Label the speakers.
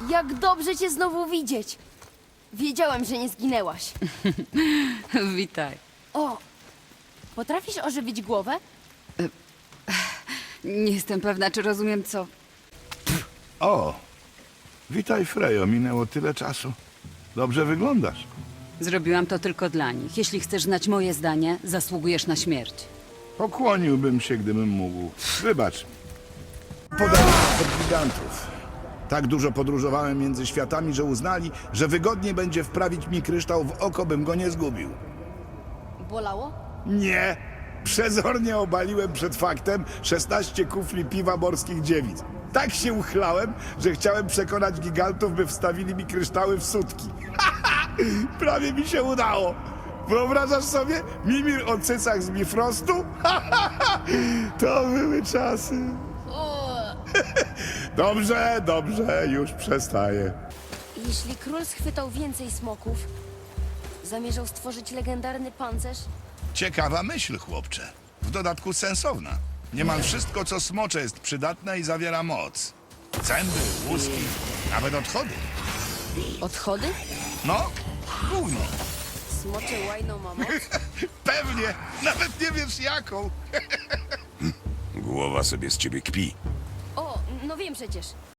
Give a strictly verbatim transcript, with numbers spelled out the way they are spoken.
Speaker 1: Jak dobrze cię znowu widzieć. Wiedziałem, że nie zginęłaś.
Speaker 2: Witaj.
Speaker 1: O, potrafisz ożywić głowę?
Speaker 2: Nie jestem pewna, czy rozumiem, co...
Speaker 3: O, witaj Frejo, minęło tyle czasu. Dobrze wyglądasz.
Speaker 2: Zrobiłam to tylko dla nich. Jeśli chcesz znać moje zdanie, zasługujesz na śmierć.
Speaker 3: Pokłoniłbym się, gdybym mógł. Wybacz. Podarunek od gigantów. Tak dużo podróżowałem między światami, że uznali, że wygodnie będzie wprawić mi kryształ w oko, bym go nie zgubił.
Speaker 1: Bolało?
Speaker 3: Nie! Przezornie obaliłem przed faktem szesnaście kufli piwa morskich dziewic. Tak się uchlałem, że chciałem przekonać gigantów, by wstawili mi kryształy w sutki. Prawie mi się udało. Wyobrażasz sobie? Mimir o cycach z Bifrostu? To były czasy. Dobrze, dobrze, już przestaję.
Speaker 1: Jeśli król schwytał więcej smoków, zamierzał stworzyć legendarny pancerz,
Speaker 3: Ciekawa myśl, chłopcze. W dodatku sensowna. Niemal wszystko, co smocze, jest przydatne i zawiera moc. Zęby, łuski, nawet odchody.
Speaker 1: odchody?
Speaker 3: No, gówno.
Speaker 1: Smocze łajną ma moc?
Speaker 3: Pewnie. Nawet nie wiesz jaką.
Speaker 4: Głowa sobie z ciebie kpi.
Speaker 1: O, no wiem przecież.